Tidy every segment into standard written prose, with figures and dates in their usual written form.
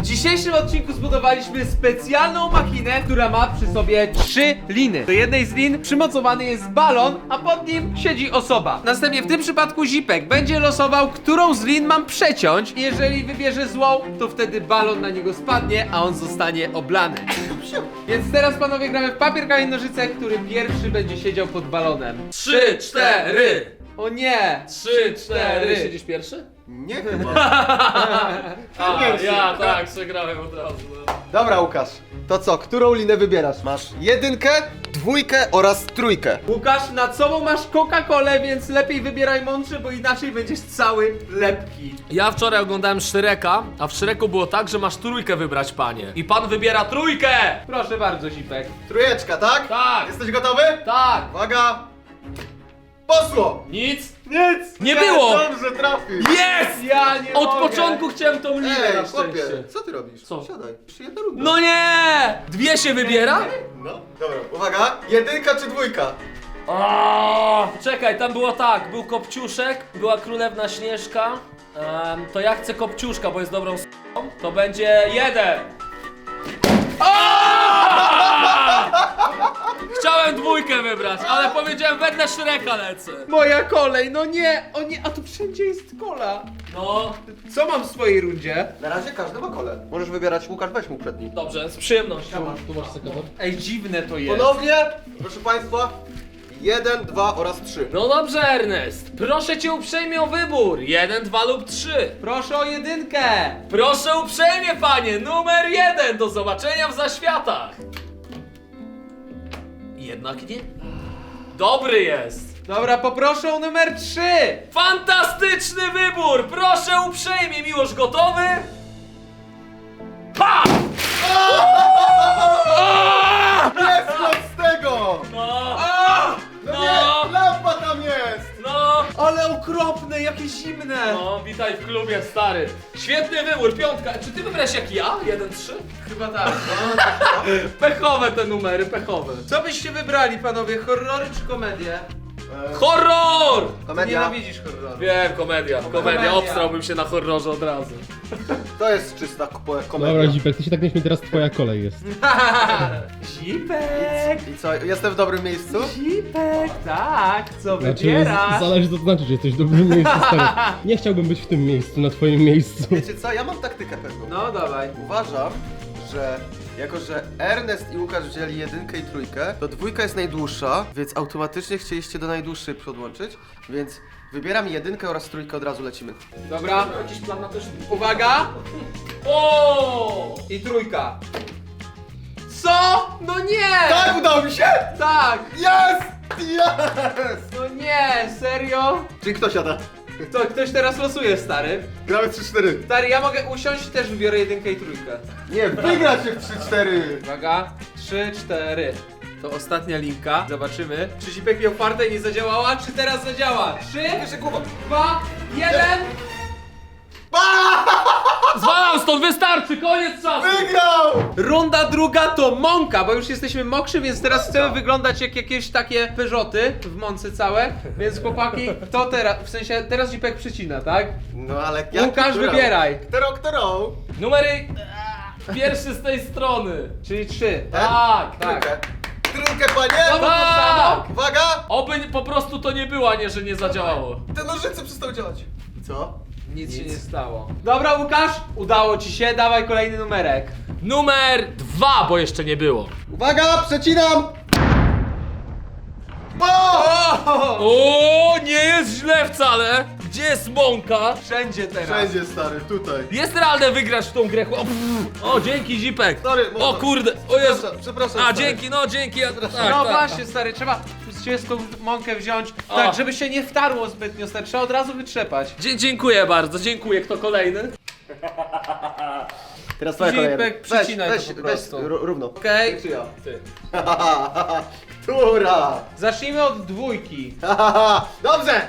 dzisiejszym odcinku zbudowaliśmy specjalną machinę, która ma przy sobie 3 liny. Do jednej z lin przymocowany jest balon, a pod nim siedzi osoba. Następnie w tym przypadku Zipek będzie losował, którą z lin mam przeciąć. Jeżeli wybierze złą, to wtedy balon na niego spadnie, a on zostanie oblany. Więc teraz panowie gramy w papier, kamień, nożyce, który pierwszy będzie siedział pod balonem. 3, 4. O nie! 3, 4. Siedzisz pierwszy? Nie chyba. A, Pierwszy. ja tak, przegrałem od razu. No. Dobra, Łukasz. To co, którą linę wybierasz? Masz jedynkę, dwójkę oraz trójkę. Łukasz, nad sobą masz Coca-Colę, więc lepiej wybieraj mądrze, bo inaczej będziesz cały lepki. Ja wczoraj oglądałem Szreka, a w Szreku było tak, że masz trójkę wybrać, panie. I pan wybiera trójkę! Proszę bardzo, Zipek. Trójeczka, tak? Tak. Jesteś gotowy? Tak! Uwaga! Poszło! Nic! Nic! Nie było! Dobrze trafił! Jest! Ja nie Od mogę. początku chciałem tą linę na Ej, chłopie, szczęście. co ty robisz? Co? Siadaj, jeszcze jedna runda. No nie! Dwie się wybiera? No, dobra, uwaga, jedynka czy dwójka? Czekaj, tam było tak, był Kopciuszek, była Królewna Śnieżka. To ja chcę Kopciuszka, bo jest dobrą s***ą. To będzie 1. Chciałem dwójkę wybrać, ale powiedziałem wedle Szreka lecę. Moja kolej, no nie, o nie, a tu wszędzie jest kola. No, Co mam w swojej rundzie? Na razie każdy ma kole. Możesz wybierać, Łukasz, weź mu przedni. dobrze, z przyjemnością. Tu masz sekretariat. Ej, dziwne to jest. Ponownie, proszę państwa, 1, 2 oraz 3. No dobrze, Ernest. Proszę cię uprzejmie o wybór. 1, 2 lub 3. Proszę o jedynkę. Proszę uprzejmie, panie. Numer 1. Do zobaczenia w zaświatach. Jednak nie. Dobry jest. Dobra, poproszę o numer 3. Fantastyczny wybór. Proszę uprzejmie, Miłosz, gotowy? Pa! Jest z tego! No, No No. nie, lampa tam jest! no. Ale okropne, jakie zimne. No, witaj w klubie, stary. Świetny wybór, piątka. Czy ty wybrałeś jak ja? 1, 3? Chyba tak. Pechowe te numery, pechowe. Co byście wybrali, panowie? Horrory czy komedię? Horror! Ty Komedia. nienawidzisz horroru. Wiem, komedia. Komedia. Obstrałbym się na horrorze od razu. To jest czysta komedia. Dobra, Zipek, ty się tak nie śmiej, teraz twoja kolej jest. Zipek! I co, jestem w dobrym miejscu? Zipek, tak, co Znaczy, wybierasz? zależy co to znaczy, że jesteś w dobrym miejscu, stary. Nie chciałbym być w tym miejscu, na twoim miejscu. Wiecie co, ja mam taktykę pewną. No dawaj. Uważam, że jako że Ernest i Łukasz wzięli jedynkę i trójkę, to dwójka jest najdłuższa, więc automatycznie chcieliście do najdłuższej podłączyć, więc wybieram jedynkę oraz trójkę, od razu lecimy. Dobra, Jakiś plan na też. uwaga O! i trójka. Co? No nie! Tak, udało mi się! Tak! Jest! Jest! No nie, serio? Czyli kto siada? To ktoś teraz losuje, stary. Gramy 3-4. Stary, ja mogę usiąść i też wybiorę jedynkę i trójkę. Nie, wygracie w 3-4. Uwaga, 3, 4. To ostatnia linka. Zobaczymy, czy Zipek miał fartę i nie zadziałała, czy teraz zadziała. 3, Jeszcze głowa. 2, 1. Zwalam stąd, wystarczy, koniec czasu! Wygrał! Runda druga to mąka, bo już jesteśmy mokrzy, więc teraz chcemy wyglądać jak jakieś takie Peugeoty w mące całe. Więc chłopaki, to teraz, w sensie teraz Zipek przycina, tak? No ale jak Łukasz, którą? wybieraj. Którą? Numery... Pierwszy z tej strony. Czyli 3. Tak, Trójkę. Trójkę, panie! Znowu to Tak. samo? Uwaga! Oby po prostu to nie było, a nie, że nie zadziałało. Te nożyce przestały działać. I co? Nic się nie stało. Dobra, Łukasz, udało ci się, dawaj kolejny numerek. Numer 2, bo jeszcze nie było. Uwaga, przecinam! O! O, nie jest źle wcale. Gdzie jest mąka? Wszędzie teraz. Wszędzie, stary, tutaj. Jest realne wygrać w tą grę. O, dzięki, Zipek. Sorry, O kurde, o Jezu. Przepraszam, A, stary. dzięki, no dzięki. Tak, No tak. właśnie, stary, trzeba tą mąkę wziąć, tak, żeby się nie wtarło zbytnio, stary, trzeba od razu wytrzepać. Dziękuję bardzo, dziękuję. Kto kolejny? Teraz twoja Zipek, kolej. przycinaj weź, to po weź, prostu. równo. Okej, Czy ja? Ty. Która? zacznijmy od dwójki. Dobrze!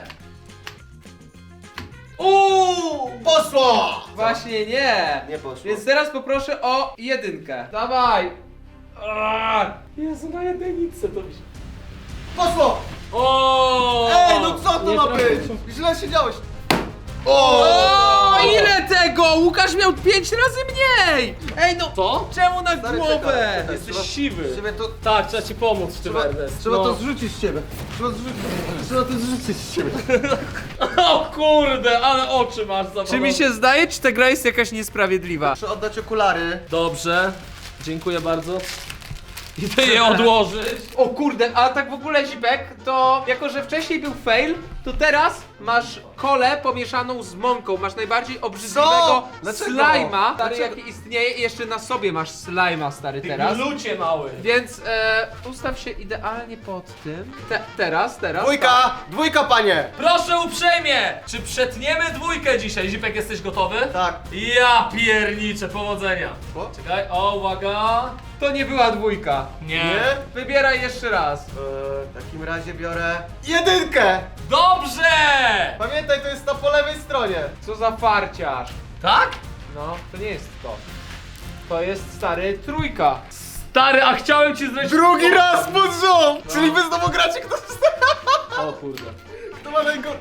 Poszło! Właśnie nie. Nie poszło. Więc teraz poproszę o jedynkę. Dawaj. Jezu, na jedynce to mi się... Poszło! O! Ej, no co to Nie ma trafiłem. być? Źle siedziałeś. O, ile tego? Łukasz miał 5 razy mniej! Ej no, Co? czemu na Stary, głowę? czekaj. Jesteś Trzeba- siwy. Trzeba to, Tak, trzeba ci pomóc w tym, Ernest. trzeba No. to zrzucić z ciebie. Trzeba to zrzucić z ciebie. O kurde, ale oczy masz zawalone. Czy mi się zdaje, czy ta gra jest jakaś niesprawiedliwa? Muszę oddać okulary. Dobrze, dziękuję bardzo. Idę je odłożyć. O kurde, a tak w ogóle Zipek, to jako że wcześniej był fail, to teraz masz kolę pomieszaną z mąką. Masz najbardziej obrzydliwego Dlaczego? slajma, stary, Dlaczego? jaki istnieje, i jeszcze na sobie masz slajma, stary, teraz. Lucie mały. Więc ustaw się idealnie pod tym. Teraz. Dwójka, panie! Proszę uprzejmie, czy przetniemy dwójkę dzisiaj? Zipek, jesteś gotowy? Tak. Ja pierniczę, powodzenia. Co? Czekaj, o, uwaga. To nie była dwójka. Nie? Wybieraj jeszcze raz. W takim razie biorę jedynkę! Dobrze! Pamiętaj, to jest ta po lewej stronie. Co za farciarz. Tak? No, to nie jest to. To jest, stary, trójka. Stary, a chciałem ci zresztą... Drugi raz pod rząd! Czyli wy znowu gracie, O kurde. kto ma najgorszy.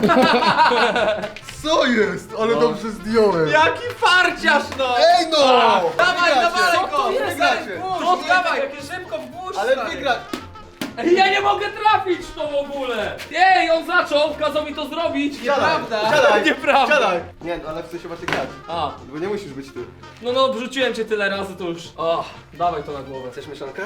Co jest? Ale dobrze zdjąłem. Jaki farciarz, no! Ej no! Dawaj, Wygracie. dawaj Co to go! jest? Wygracie. To Dawaj! jakie szybko w górę. Ale wygra... Ej, ja nie mogę trafić w to w ogóle! Ej, on zaczął, kazał mi to zrobić! Nieprawda. Siadaj! Nieprawda. Siadaj! Nie, no ale w sensie macie grać. A, Bo nie musisz być ty. no, wrzuciłem cię tyle razy, to już... O, dawaj to na głowę. Chcesz mieszankę?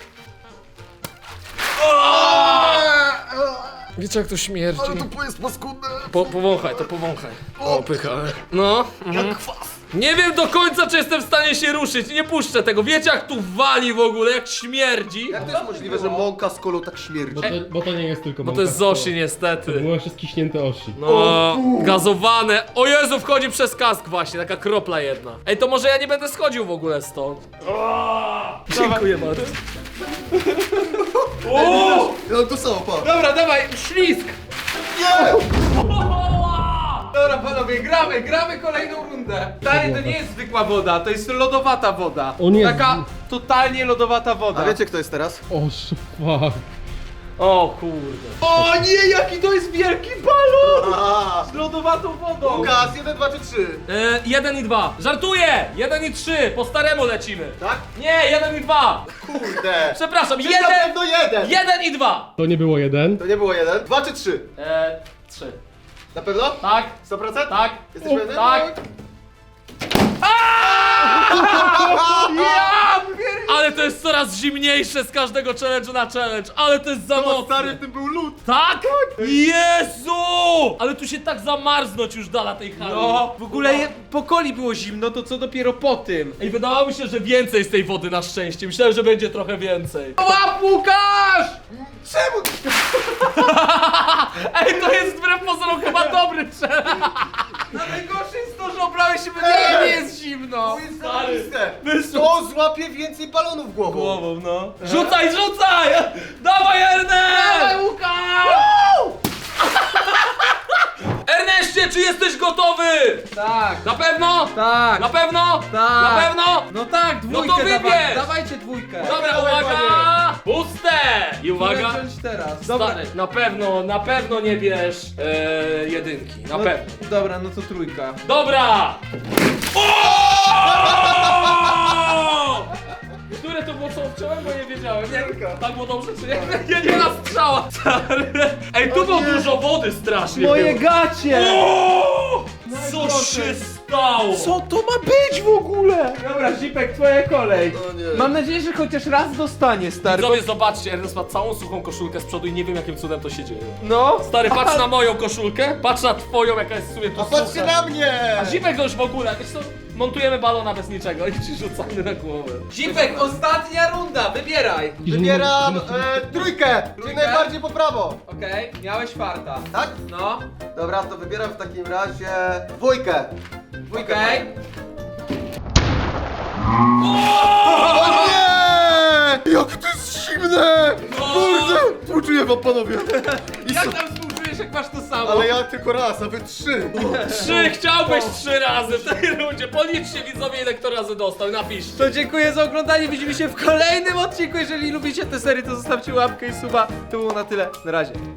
Wiecie jak to śmierdzi? to jest paskudne! Powąchaj, to powąchaj. O, pycha. No. Jak kwas! Nie wiem do końca, czy jestem w stanie się ruszyć, nie puszczę tego. Wiecie jak tu wali w ogóle, jak śmierdzi? Jak to jest możliwe, że mąka z kolą tak śmierdzi? Bo to nie jest tylko Bo to jest z mąka, osi niestety. To było jeszcze skiśnięte osi. No, gazowane. O Jezu, wchodzi przez kask właśnie, taka kropla jedna. Ej, to może ja nie będę schodził w ogóle stąd. Dziękuję bardzo. No to samo, pa! Dobra, dawaj, ślizg! Nie! Dobra, panowie, gramy kolejną rundę. Stary, to nie jest zwykła woda, to jest lodowata woda. O nie. Taka totalnie lodowata woda. A wiecie kto jest teraz? O, fuck. O kurde. O nie, jaki to jest wielki balon! A, Z lodowatą wodą! Łukasz, 1, 2 czy 3? 1 i 2. Żartuję! 1 i 3. Po staremu lecimy. Tak? Nie, 1 i 2. Kurde! Przepraszam, Czyli na 1 pewno 1! 1 i 2. To nie było jeden. To nie było 1? 2 czy 3? 3. Na pewno? Tak, 100%? tak. Jesteś pewny? Tak. Ja pier... Ale to jest coraz zimniejsze z każdego challenge'u na challenge. Ale to jest za No mocne. stary, w tym był lód! Tak? Jezu! Ale tu się tak zamarznąć już da na tej hali. No, w ogóle po coli było zimno, to co dopiero po tym? Ej, wydawało mi się, że więcej z tej wody na szczęście. Myślałem, że będzie trochę więcej. Łap, Łukasz! Czemu? Ej, to jest wbrew pozorom chyba dobry challenge. A najgorsze jest to, że obrałeś się, bo nie jest zimno. To jest Stary, zarobiste! wyszło. To złapie więcej balonów głową! Głową, no. Rzucaj, rzucaj! Dawaj, Ernest! Dawaj, Łukasz! Erneście, czy jesteś gotowy? Tak, Na pewno? tak, Na pewno? tak. Na pewno? No tak, dwójkę No to wybierz! dawaj, dawajcie dwójkę. Dobra, Dawaj, uwaga! panie. Puste! I Uwaga. uwaga. Wziąć teraz. Dobra. Stary, na pewno nie bierz jedynki. Na No, pewno. dobra, no to trójka. Dobra! O! Które to było, co wciąłem, bo nie wiedziałem. Nie, tak było dobrze, czy nie? Nie na strzała. Stary. Ej, tu było dużo wody strasznie. Moje było. gacie! O! Co Najgorsze. się stało? Co to ma być w ogóle? Dobra, Zipek, twoja kolej. O nie. Mam nadzieję, że chociaż raz dostanie, stary. Widzowie, zobaczcie, Ernest ma całą suchą koszulkę z przodu i nie wiem jakim cudem to się dzieje. No. Stary, patrz na moją koszulkę, patrz na twoją, jaka jest w sumie tu A patrzcie sucha. na mnie! A Zipek to już w ogóle, wiesz co? Montujemy balona bez niczego i ci rzucamy na głowę. Zipek, ostatnia runda, wybieraj. Wybieram trójkę! Czyli Trójkę? najbardziej po prawo! Okej, miałeś farta. Tak? No, Dobra, to wybieram w takim razie dwójkę! Dwójkę! okej. O nie! Jak to jest zimne! Kurde! Współczuję wam, panowie! Jak tam współczujesz, jak masz to samo? Ale ja tylko raz, a wy 3! 3, chciałbyś 3 razy w tej rundzie. Policzcie widzowie, ile kto razy dostał, napiszcie. To dziękuję za oglądanie, widzimy się w kolejnym odcinku. Jeżeli lubicie tę serię, to zostawcie łapkę i suba. To było na tyle, na razie.